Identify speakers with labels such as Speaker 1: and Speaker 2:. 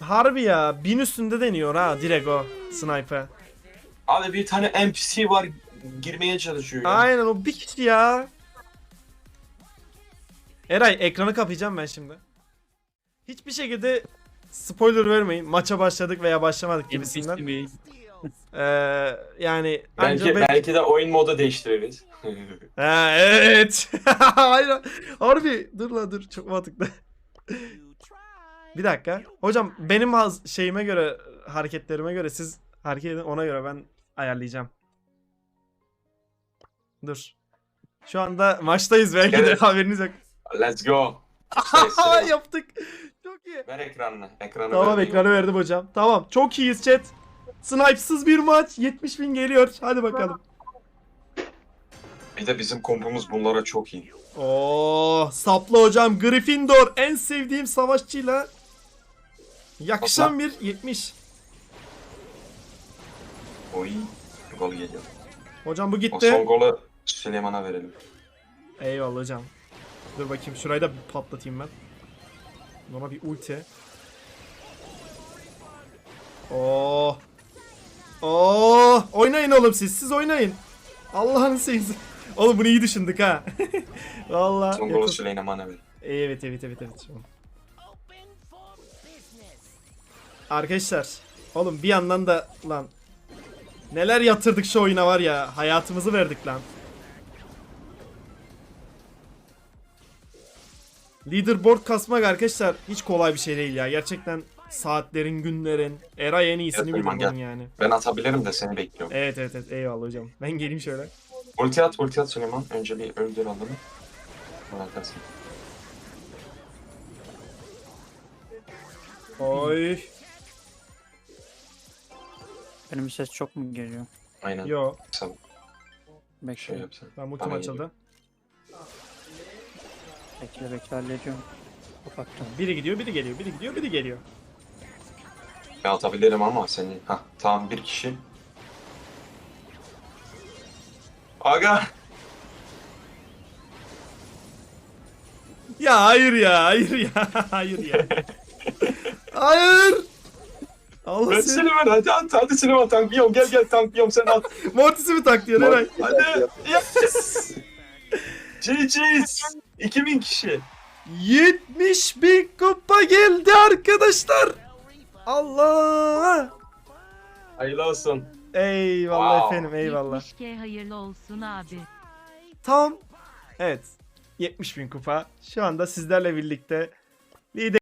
Speaker 1: Harbi ya 1000 üstünde deniyor ha direkt o sniper.
Speaker 2: Abi bir tane NPC var girmeye çalışıyor ya.
Speaker 1: Aynen o bir kişi ya. Eray ekranı kapayacağım ben şimdi. Hiçbir şekilde spoiler vermeyin. Maça başladık veya başlamadık gibisinden. Yani
Speaker 2: Belki de oyun modu değiştiririz.
Speaker 1: Ha, evet. Aynen. Harbi dur la dur çok mantıklı. Bir dakika. Hocam benim şeyime göre hareketlerime göre siz hareket edin ona göre ben ayarlayacağım. Dur. Şu anda maçtayız belki de
Speaker 2: Evet.
Speaker 1: haberiniz yok.
Speaker 2: Let's go.
Speaker 1: Yaptık. Çok iyi.
Speaker 2: Ver ekranını. Ekranı
Speaker 1: Tamam
Speaker 2: ver.
Speaker 1: ekranı verdim hocam. Tamam çok iyiyiz chat. Snipesız bir maç. 70.000 geliyor. Hadi bakalım.
Speaker 2: Bir de bizim kompumuz bunlara çok iyi.
Speaker 1: Oo, saplı hocam Gryffindor en sevdiğim savaşçıyla yakışan bir 70.
Speaker 2: Oy. Gol geliyor.
Speaker 1: Hocam bu
Speaker 2: O
Speaker 1: gitti.
Speaker 2: son golü Süleyman'a verelim.
Speaker 1: Eyvallah hocam. Dur bakayım şurayı da bir patlatayım ben. Buna bir ulti. Oo. Oo, oynayın oğlum siz oynayın. Allah'ını seveyim. Oğlum bunu iyi düşündük ha. Vallahi.
Speaker 2: Son golü Süleyman'a ver.
Speaker 1: Evet. Arkadaşlar, oğlum bir yandan da lan neler yatırdık şu oyuna var ya, hayatımızı verdik lan. Leaderboard kasmak arkadaşlar hiç kolay bir şey değil ya. Gerçekten saatlerin, günlerin, Eray en iyisini bilir
Speaker 2: Süleyman,
Speaker 1: bunun
Speaker 2: gel.
Speaker 1: yani.
Speaker 2: Ben atabilirim de seni bekliyorum.
Speaker 1: Evet eyvallah hocam. Ben geleyim şöyle.
Speaker 2: Ulti at Süleyman. Önce bir öldür adamı. Sonra atarsın.
Speaker 1: Oy.
Speaker 3: Benim ses çok mu geliyor?
Speaker 2: Aynen.
Speaker 1: Yo,
Speaker 2: Sen
Speaker 3: Bekle.
Speaker 2: şey yapsan.
Speaker 1: ben multim
Speaker 2: Bana
Speaker 1: açıldı.
Speaker 3: Bekle hallediyorum. Kapattım.
Speaker 1: Biri gidiyor, biri geliyor, biri gidiyor, biri geliyor.
Speaker 2: Ben atabilirim ama seni. Hah tamam bir kişi. Aga.
Speaker 1: Ya hayır ya, hayır ya. Hayır. Allah
Speaker 2: Ben
Speaker 1: seni.
Speaker 2: Süleyman hadi Süleyman tanklıyorum gel tanklıyorum sen at.
Speaker 1: Mortis'i mi tak diyor Eray?
Speaker 2: Hadi. Yes. GG's. 2000 kişi.
Speaker 1: 70.000 kupa geldi arkadaşlar. Allah.
Speaker 2: Hayırlı olsun.
Speaker 1: Eyvallah
Speaker 2: Wow.
Speaker 1: efendim eyvallah.
Speaker 4: 70K hayırlı olsun abi.
Speaker 1: Tam. Evet. 70.000 kupa. Şu anda sizlerle birlikte lider